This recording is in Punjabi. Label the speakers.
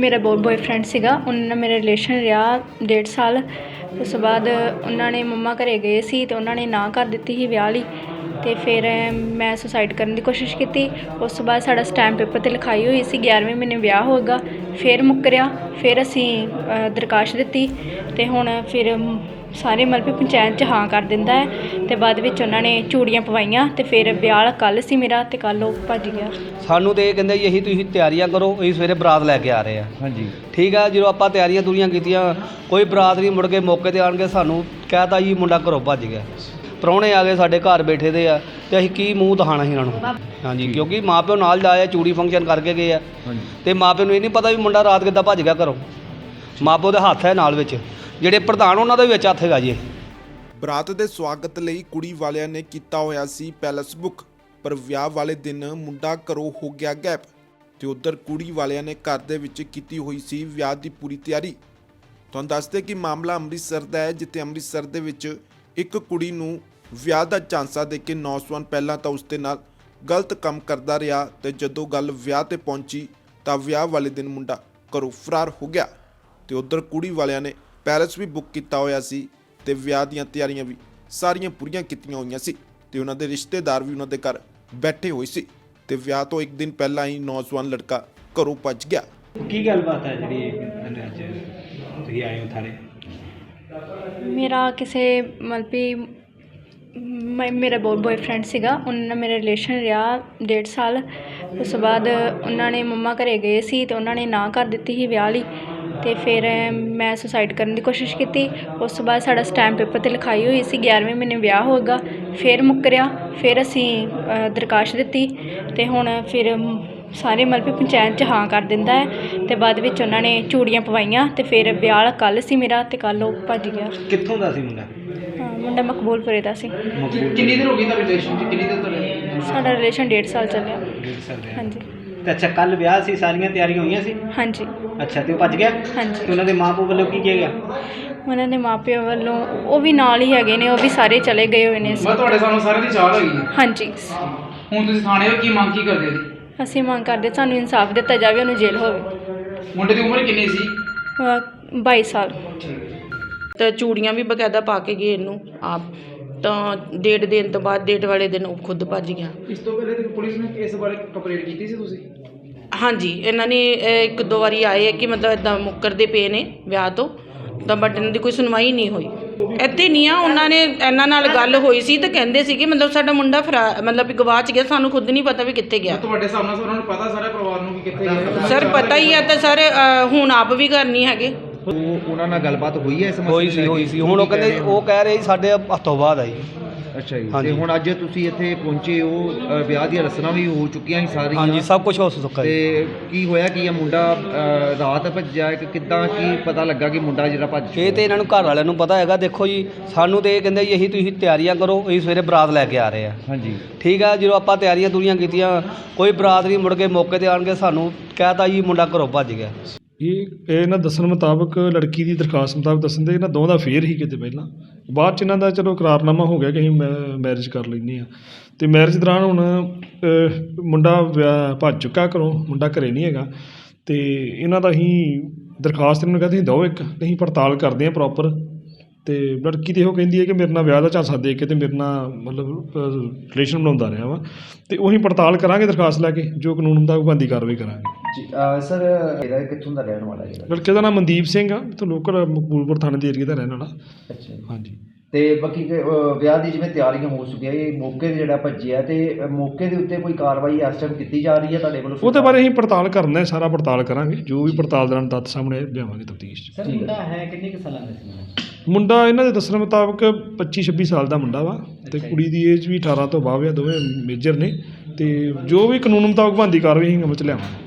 Speaker 1: ਮੇਰਾ ਬॉयਫ੍ਰੈਂਡ ਸੀਗਾ, ਉਹਨਾਂ ਨਾਲ ਮੇਰਾ ਰਿਲੇਸ਼ਨ ਰਿਹਾ 1.5 ਸਾਲ। ਉਸ ਤੋਂ ਬਾਅਦ ਉਹਨਾਂ ਨੇ ਮੰਮਾ ਘਰੇ ਗਏ ਸੀ ਅਤੇ ਉਹਨਾਂ ਨੇ ਨਾ ਕਰ ਦਿੱਤੀ ਸੀ ਵਿਆਹ ਲਈ, ਅਤੇ ਫਿਰ ਮੈਂ ਸੁਸਾਈਡ ਕਰਨ ਦੀ ਕੋਸ਼ਿਸ਼ ਕੀਤੀ। ਉਸ ਤੋਂ ਬਾਅਦ ਸਾਡਾ ਸਟੈਂਪ ਪੇਪਰ 'ਤੇ ਲਿਖਾਈ ਹੋਈ ਸੀ 11ਵੇਂ ਮਹੀਨੇ ਵਿਆਹ ਹੋਏਗਾ, ਫਿਰ ਮੁੱਕਰਿਆ। ਫਿਰ ਅਸੀਂ ਦਰਖਾਸਤ ਦਿੱਤੀ ਅਤੇ ਹੁਣ ਫਿਰ ਸਾਰੇ ਮਤਲਬ ਵੀ ਪੰਚਾਇਤ 'ਚ ਹਾਂ ਕਰ ਦਿੰਦਾ ਹੈ, ਅਤੇ ਬਾਅਦ ਵਿੱਚ ਉਹਨਾਂ ਨੇ ਚੂੜੀਆਂ ਪਵਾਈਆਂ ਅਤੇ ਫਿਰ ਵਿਆਹ ਕੱਲ੍ਹ ਸੀ ਮੇਰਾ, ਅਤੇ ਕੱਲ੍ਹ ਉਹ ਭੱਜ ਗਿਆ। ਸਾਨੂੰ
Speaker 2: ਤਾਂ ਇਹ ਕਹਿੰਦੇ ਜੀ ਅਸੀਂ ਤੁਸੀਂ ਤਿਆਰੀਆਂ ਕਰੋ, ਅਸੀਂ ਸਵੇਰੇ ਬਰਾਤ ਲੈ ਕੇ ਆ ਰਹੇ ਹਾਂ। ਹਾਂਜੀ ਠੀਕ ਆ, ਜਦੋਂ ਆਪਾਂ ਤਿਆਰੀਆਂ ਤੁਰੀਆਂ ਕੀਤੀਆਂ ਕੋਈ ਬਰਾਤ ਨਹੀਂ, ਮੁੜ ਕੇ ਮੌਕੇ 'ਤੇ ਆਣ ਕੇ ਸਾਨੂੰ ਕਹਿ ਤਾ ਜੀ ਮੁੰਡਾ ਘਰੋਂ ਭੱਜ ਗਿਆ। ਪ੍ਰਾਹੁਣੇ ਆ ਗਏ ਸਾਡੇ ਘਰ ਬੈਠੇ ਦੇ ਆ, ਅਤੇ ਅਸੀਂ ਕੀ ਮੂੰਹ ਦਿਖਾਉਣਾ ਸੀ ਇਹਨਾਂ ਨੂੰ। ਹਾਂਜੀ ਕਿਉਂਕਿ ਮਾਂ ਪਿਓ ਨਾਲ ਜਾਏ, ਚੂੜੀ ਫੰਕਸ਼ਨ ਕਰਕੇ ਗਏ ਆ, ਅਤੇ ਮਾਂ ਪਿਓ ਨੂੰ ਇਹ ਨਹੀਂ ਪਤਾ ਵੀ ਮੁੰਡਾ ਰਾਤ ਕਿੱਦਾਂ ਭੱਜ ਗਿਆ ਘਰੋਂ। ਮਾਂ ਪਿਓ ਦੇ ਹੱਥ ਹੈ ਨਾਲ ਵਿੱਚ, ਜਿਹੜੇ ਪ੍ਰਧਾਨ ਉਹਨਾਂ ਦਾ ਵੀ ਵਿੱਚ ਹੱਥ ਹੈਗਾ ਜੀ।
Speaker 3: ਬਰਾਤ ਦੇ ਸਵਾਗਤ ਲਈ ਕੁੜੀ ਵਾਲਿਆਂ ਨੇ ਕੀਤਾ ਹੋਇਆ ਸੀ ਪੈਲਸ ਬੁੱਕ, ਪਰ ਵਿਆਹ ਵਾਲੇ ਦਿਨ ਮੁੰਡਾ ਘਰੋਂ ਹੋ ਗਿਆ ਗਾਇਬ, ਤੇ ਉਧਰ ਕੁੜੀ ਵਾਲਿਆਂ ਨੇ ਘਰ ਦੇ ਵਿੱਚ ਕੀਤੀ ਹੋਈ ਸੀ ਵਿਆਹ ਦੀ ਪੂਰੀ ਤਿਆਰੀ। ਤੁਹਾਨੂੰ ਦੱਸਦੇ ਕਿ ਮਾਮਲਾ ਅੰਮ੍ਰਿਤਸਰ ਦਾ ਹੈ, ਜਿੱਥੇ ਅੰਮ੍ਰਿਤਸਰ ਦੇ ਵਿੱਚ ਇੱਕ ਕੁੜੀ ਨੂੰ ਵਿਆਹ ਦਾ ਝਾਂਸਾ ਦੇ ਕੇ ਨੌਜਵਾਨ ਪਹਿਲਾਂ ਤਾਂ ਉਸ ਦੇ ਨਾਲ ਗਲਤ ਕੰਮ ਕਰਦਾ ਰਿਹਾ, ਤੇ ਜਦੋਂ ਗੱਲ ਵਿਆਹ ਤੇ ਪਹੁੰਚੀ ਤਾਂ ਵਿਆਹ ਵਾਲੇ ਦਿਨ ਮੁੰਡਾ ਘਰੋਂ ਫਰਾਰ ਹੋ ਗਿਆ। ਤੇ ਉਧਰ ਕੁੜੀ ਵਾਲਿਆਂ ਨੇ ਪੈਲਸ ਵੀ ਬੁੱਕ ਕੀਤਾ ਹੋਇਆ ਸੀ, ਤੇ ਵਿਆਹ ਦੀਆਂ ਤਿਆਰੀਆਂ ਵੀ ਸਾਰੀਆਂ ਪੂਰੀਆਂ ਕੀਤੀਆਂ ਹੋਈਆਂ ਸੀ, ਤੇ ਉਹਨਾਂ ਦੇ ਰਿਸ਼ਤੇਦਾਰ ਵੀ ਉਹਨਾਂ ਦੇ ਘਰ ਬੈਠੇ ਹੋਏ ਸੀ, ਤੇ ਵਿਆਹ ਤੋਂ ਇੱਕ ਦਿਨ ਪਹਿਲਾਂ ਹੀ ਨੌਜਵਾਨ ਲੜਕਾ ਘਰੋਂ ਭੱਜ ਗਿਆ।
Speaker 4: ਕੀ ਗੱਲਬਾਤ ਹੈ ਜਿਹੜੀ ਅੱਜ ਤੁਸੀਂ ਆਏ ਹੋ ਥਾਣੇ?
Speaker 1: ਮੇਰਾ ਕਿਸੇ ਮਤਲਬ ਵੀ ਮੇਰਾ ਬॉयਫ੍ਰੈਂਡ ਸੀਗਾ, ਉਹਨਾਂ ਨਾਲ ਮੇਰਾ ਰਿਲੇਸ਼ਨ ਰਿਹਾ 1.5 ਸਾਲ। ਉਸ ਤੋਂ ਬਾਅਦ ਉਹਨਾਂ ਨੇ ਮੰਮਾ ਘਰੇ ਗਏ ਸੀ ਅਤੇ ਉਹਨਾਂ ਨੇ ਨਾ ਕਰ ਦਿੱਤੀ ਸੀ ਵਿਆਹ ਲਈ, ਅਤੇ ਫਿਰ ਮੈਂ ਸੁਸਾਈਡ ਕਰਨ ਦੀ ਕੋਸ਼ਿਸ਼ ਕੀਤੀ। ਉਸ ਤੋਂ ਬਾਅਦ ਸਾਡਾ ਸਟੈਂਪ ਪੇਪਰ 'ਤੇ ਲਿਖਾਈ ਹੋਈ ਸੀ 11ਵੇਂ ਮਹੀਨੇ ਵਿਆਹ ਹੋਏਗਾ, ਫਿਰ ਮੁੱਕਰਿਆ। ਫਿਰ ਅਸੀਂ ਦਰਖਾਸਤ ਦਿੱਤੀ, ਅਤੇ ਹੁਣ ਫਿਰ ਸਾਰੇ ਮਤਲਬ ਵੀ ਪੰਚਾਇਤ 'ਚ ਹਾਂ ਕਰ ਦਿੰਦਾ ਹੈ, ਅਤੇ ਬਾਅਦ ਵਿੱਚ ਉਹਨਾਂ ਨੇ ਚੂੜੀਆਂ ਪਵਾਈਆਂ, ਅਤੇ ਫਿਰ ਵਿਆਹ ਕੱਲ੍ਹ ਸੀ ਮੇਰਾ, ਅਤੇ ਕੱਲ੍ਹ ਉਹ ਭੱਜ ਗਿਆ।
Speaker 4: ਕਿੱਥੋਂ ਦਾ ਸੀ ਮੁੰਡਾ?
Speaker 1: ਮੁੰਡਾ ਮਕਬੂਲਪੁਰੇ ਦਾ ਸੀ।
Speaker 4: ਕਿੰਨੀ ਦੇਰ ਹੋ ਗਈ ਤੁਹਾਡੇ ਰਿਲੇਸ਼ਨ 'ਚ? ਕਿੰਨੀ ਦੇਰ ਤੁਹਾਡੇ?
Speaker 1: ਸਾਡਾ ਰਿਲੇਸ਼ਨ 1.5 ਸਾਲ ਚੱਲਿਆ।
Speaker 4: 1.5 ਸਾਲ ਦਾ?
Speaker 1: ਹਾਂਜੀ।
Speaker 4: ਤੇ ਅੱਛਾ, ਕੱਲ੍ਹ ਵਿਆਹ ਸੀ, ਸਾਰੀਆਂ ਤਿਆਰੀਆਂ ਹੋਈਆਂ ਸੀ?
Speaker 1: ਹਾਂਜੀ।
Speaker 4: ਅੱਛਾ, ਤੇ ਉਹ ਭੱਜ ਗਿਆ?
Speaker 1: ਹਾਂਜੀ।
Speaker 4: ਤੇ ਉਹਨਾਂ ਦੇ ਮਾਂ ਪਿਓ ਵੱਲੋਂ ਕੀ ਕਿਹਾ ਗਿਆ?
Speaker 1: ਉਹਨਾਂ ਦੇ ਮਾਪਿਆਂ ਵੱਲੋਂ ਉਹ ਵੀ ਨਾਲ ਹੀ ਹੈਗੇ ਨੇ, ਉਹ ਵੀ ਸਾਰੇ ਚਲੇ ਗਏ ਹੋਏ ਨੇ।
Speaker 5: ਮੈਂ ਤੁਹਾਡੇ ਸਾਨੂੰ ਸਾਰਿਆਂ ਦੀ ਚਾਹ ਹੈਗੀ ਹੈ।
Speaker 1: ਹਾਂਜੀ।
Speaker 5: ਹੁਣ ਤੁਸੀਂ ਥਾਣੇ ਹੋ, ਕੀ ਮੰਗ ਕੀ ਕਰਦੇ ਜੀ?
Speaker 1: ਅਸੀਂ ਮੰਗ ਕਰਦੇ ਸਾਨੂੰ ਇਨਸਾਫ ਦਿੱਤਾ ਜਾਵੇ, ਉਹਨੂੰ ਜੇਲ੍ਹ ਹੋਵੇ।
Speaker 5: ਮੁੰਡੇ ਦੀ ਉਮਰ ਕਿੰਨੀ ਸੀ?
Speaker 1: 22 ਸਾਲ।
Speaker 6: ਤਾਂ ਚੂੜੀਆਂ ਵੀ ਬਕਾਇਦਾ ਪਾ ਕੇ ਗਏ ਇਹਨੂੰ ਆਪ, ਤਾਂ ਡੇਟ ਦੇਣ ਤੋਂ ਬਾਅਦ ਡੇਟ ਵਾਲੇ ਦਿਨ ਉਹ ਖੁਦ ਭੱਜ ਗਿਆ।
Speaker 5: ਇਸ ਤੋਂ ਪਹਿਲੇ ਤੇ ਪੁਲਿਸ ਨੇ ਇਸ ਬਾਰੇ ਕੰਪਲੇਂਟ ਕੀਤੀ ਸੀ ਤੁਸੀਂ?
Speaker 6: ਹਾਂਜੀ, ਇਹਨਾਂ ਨੇ 1-2 ਵਾਰੀ ਆਏ ਹੈ ਕਿ ਮਤਲਬ ਇੱਦਾਂ ਮੁੱਕਰਦੇ ਪਏ ਨੇ ਵਿਆਹ ਤੋਂ, ਤਾਂ ਬਟ ਇਹਨਾਂ ਦੀ ਕੋਈ ਸੁਣਵਾਈ ਨਹੀਂ ਹੋਈ। ਇੱਥੇ ਨਹੀਂ ਆ, ਉਹਨਾਂ ਨੇ ਇਹਨਾਂ ਨਾਲ ਗੱਲ ਹੋਈ ਸੀ ਤਾਂ ਕਹਿੰਦੇ ਸੀ ਕਿ ਮਤਲਬ ਸਾਡਾ ਮੁੰਡਾ ਮਤਲਬ ਵੀ ਗਵਾਚ ਗਿਆ, ਸਾਨੂੰ ਖੁਦ ਨਹੀਂ ਪਤਾ ਵੀ ਕਿੱਥੇ ਗਿਆ।
Speaker 5: ਤੁਹਾਡੇ ਸਾਹਮਣੇ ਉਹਨਾਂ ਨੂੰ ਪਤਾ, ਸਾਰੇ ਪਰਿਵਾਰ ਨੂੰ ਕਿ ਕਿੱਥੇ ਗਿਆ?
Speaker 6: ਸਰ ਪਤਾ ਹੀ ਹੈ, ਤਾਂ ਸਰ ਹੁਣ ਆਪ ਵੀ ਘਰ ਨਹੀਂ ਹੈਗੇ।
Speaker 4: ਉਹਨਾਂ ਨਾਲ ਗੱਲਬਾਤ ਹੋਈ ਹੈ ਇਸ ਮਸਲੇ?
Speaker 2: ਹੋਈ ਸੀ। ਹੁਣ ਉਹ ਕਹਿੰਦੇ, ਉਹ ਕਹਿ ਰਹੇ ਸਾਡੇ ਹੱਥੋਂ ਬਾਅਦ ਆਈ।
Speaker 4: ਅੱਛਾ ਜੀ। ਤੇ ਹੁਣ ਅੱਜ ਤੁਸੀਂ ਇੱਥੇ ਪਹੁੰਚੇ ਹੋ, ਵਿਆਹ ਦੀਆਂ ਰਸਮਾਂ ਵੀ ਹੋ ਚੁੱਕੀਆਂ ਸੀ ਸਾਰੀਆਂ?
Speaker 2: ਹਾਂਜੀ, ਸਭ ਕੁਝ ਹੋ ਚੁੱਕਾ।
Speaker 4: ਤੇ ਕੀ ਹੋਇਆ ਕੀ ਆ? ਮੁੰਡਾ ਰਾਤ ਭੱਜਿਆ ਕਿ ਕਿੱਦਾਂ, ਕੀ ਪਤਾ ਲੱਗਾ ਕਿ ਮੁੰਡਾ ਜਿਹੜਾ ਭੱਜ?
Speaker 2: ਇਹ ਤੇ ਇਹਨਾਂ ਨੂੰ ਘਰ ਵਾਲਿਆਂ ਨੂੰ ਪਤਾ ਹੈਗਾ। ਦੇਖੋ ਜੀ, ਸਾਨੂੰ ਤਾਂ ਇਹ ਕਹਿੰਦੇ ਜੀ ਅਸੀਂ ਤੁਸੀਂ ਤਿਆਰੀਆਂ ਕਰੋ, ਅਸੀਂ ਸਵੇਰੇ ਬਰਾਤ ਲੈ ਕੇ ਆ ਰਹੇ ਹਾਂ। ਹਾਂਜੀ ਠੀਕ ਆ, ਜਦੋਂ ਆਪਾਂ ਤਿਆਰੀਆਂ ਤੁਰੀਆਂ ਕੀਤੀਆਂ ਕੋਈ ਬਰਾਤ ਨਹੀਂ, ਮੁੜ ਕੇ ਮੌਕੇ 'ਤੇ ਆਣ ਕੇ ਸਾਨੂੰ ਕਹਿ ਤਾ ਜੀ ਮੁੰਡਾ ਘਰੋਂ ਭੱਜ ਗਿਆ।
Speaker 7: ਇਹ ਇਹਨਾਂ ਦੱਸਣ ਮੁਤਾਬਕ, ਲੜਕੀ ਦੀ ਦਰਖਾਸਤ ਮੁਤਾਬਕ ਦੱਸਣ ਦੇ ਇਹਨਾਂ ਦੋਵਾਂ ਦਾ ਅਫੇਅਰ ਹੀ ਕਿਤੇ ਪਹਿਲਾਂ, ਬਾਅਦ 'ਚ ਇਹਨਾਂ ਦਾ ਚਲੋ ਇਕਰਾਰਨਾਮਾ ਹੋ ਗਿਆ ਕਿ ਅਸੀਂ ਮੈਰਿਜ ਕਰ ਲੈਂਦੇ ਹਾਂ। ਅਤੇ ਮੈਰਿਜ ਦੌਰਾਨ ਹੁਣ ਮੁੰਡਾ ਭੱਜ ਚੁੱਕਾ ਘਰੋਂ, ਮੁੰਡਾ ਘਰੇ ਨਹੀਂ ਹੈਗਾ। ਅਤੇ ਇਹਨਾਂ ਦਾ ਅਸੀਂ ਦਰਖਾਸਤ ਇਹਨਾਂ ਨੂੰ ਕਹਿੰਦੇ ਦਿਓ ਇੱਕ, ਅਸੀਂ ਪੜਤਾਲ ਕਰਦੇ ਹਾਂ ਪ੍ਰੋਪਰ। ਅਤੇ ਲੜਕੀ ਤਾਂ ਇਹੋ ਕਹਿੰਦੀ ਹੈ ਕਿ ਮੇਰੇ ਨਾਲ ਵਿਆਹ ਦਾ ਝਾਂਸਾ ਦੇ ਕੇ ਅਤੇ ਮੇਰੇ ਨਾਲ ਮਤਲਬ ਰਿਲੇਸ਼ਨ ਬਣਾਉਂਦਾ ਰਿਹਾ ਵਾ, ਅਤੇ ਉਹੀ ਪੜਤਾਲ ਕਰਾਂਗੇ ਦਰਖਾਸਤ ਲੈ ਕੇ, ਜੋ ਕਾਨੂੰਨ ਹੁੰਦਾ ਉਹ ਬਣਦੀ ਕਾਰਵਾਈ ਕਰਾਂਗੇ।
Speaker 4: ਸਰ ਇਹਦਾ ਕਿੱਥੋਂ ਦਾ ਰਹਿਣ ਵਾਲਾ ਜਿਹੜਾ?
Speaker 7: ਲੜਕੇ ਦਾ ਨਾਮ ਮਨਦੀਪ ਸਿੰਘ ਆ, ਇੱਥੋਂ ਲੋਕਲ ਮਕਬੂਲਪੁਰ ਥਾਣੇ ਦੇ ਏਰੀਏ ਦਾ ਰਹਿਣ ਵਾਲਾ।
Speaker 4: ਅੱਛਾ।
Speaker 7: ਹਾਂਜੀ।
Speaker 4: ਤੇ ਬਾਕੀ ਵਿਆਹ ਦੀ ਜਿਵੇਂ ਤਿਆਰੀਆਂ ਹੋ ਚੁੱਕੀਆਂ, ਇਹ ਮੌਕੇ 'ਤੇ ਜਿਹੜਾ ਭੱਜਿਆ, ਤੇ ਮੌਕੇ ਦੇ ਉੱਤੇ ਕੋਈ ਕਾਰਵਾਈ ਇਸ ਟਾਈਮ ਕੀਤੀ ਜਾ ਰਹੀ ਹੈ ਤੁਹਾਡੇ ਵੱਲੋਂ?
Speaker 7: ਉਹਦੇ ਬਾਰੇ ਅਸੀਂ ਪੜਤਾਲ ਕਰਨਾ ਹੈ, ਸਾਰਾ ਪੜਤਾਲ ਕਰਾਂਗੇ, ਜੋ ਵੀ ਪੜਤਾਲ ਦੌਰਾਨ ਤੱਥ ਸਾਹਮਣੇ ਲਿਆਵਾਂਗੇ ਤਫਤੀਸ਼ 'ਚ।
Speaker 4: ਸਰ ਮੁੰਡਾ ਹੈ ਕਿੰਨੇ ਕੁ ਸਾਲਾਂ ਦਾ ਸੀ?
Speaker 7: ਮੁੰਡਾ ਇਹਨਾਂ ਦੇ ਦੱਸਣ ਮੁਤਾਬਕ 25-26 ਸਾਲ ਦਾ ਮੁੰਡਾ ਵਾ, ਅਤੇ ਕੁੜੀ ਦੀ ਏਜ ਵੀ 18 ਤੋਂ ਬਾਅਦ ਆ, ਦੋਵੇਂ ਮੇਜਰ ਨੇ। ਅਤੇ ਜੋ ਵੀ ਕਾਨੂੰਨ ਮੁਤਾਬਕ ਬਣਦੀ ਕਾਰਵਾਈ ਅਸੀਂ ਅਮਲ 'ਚ ਲਿਆਵਾਂਗੇ।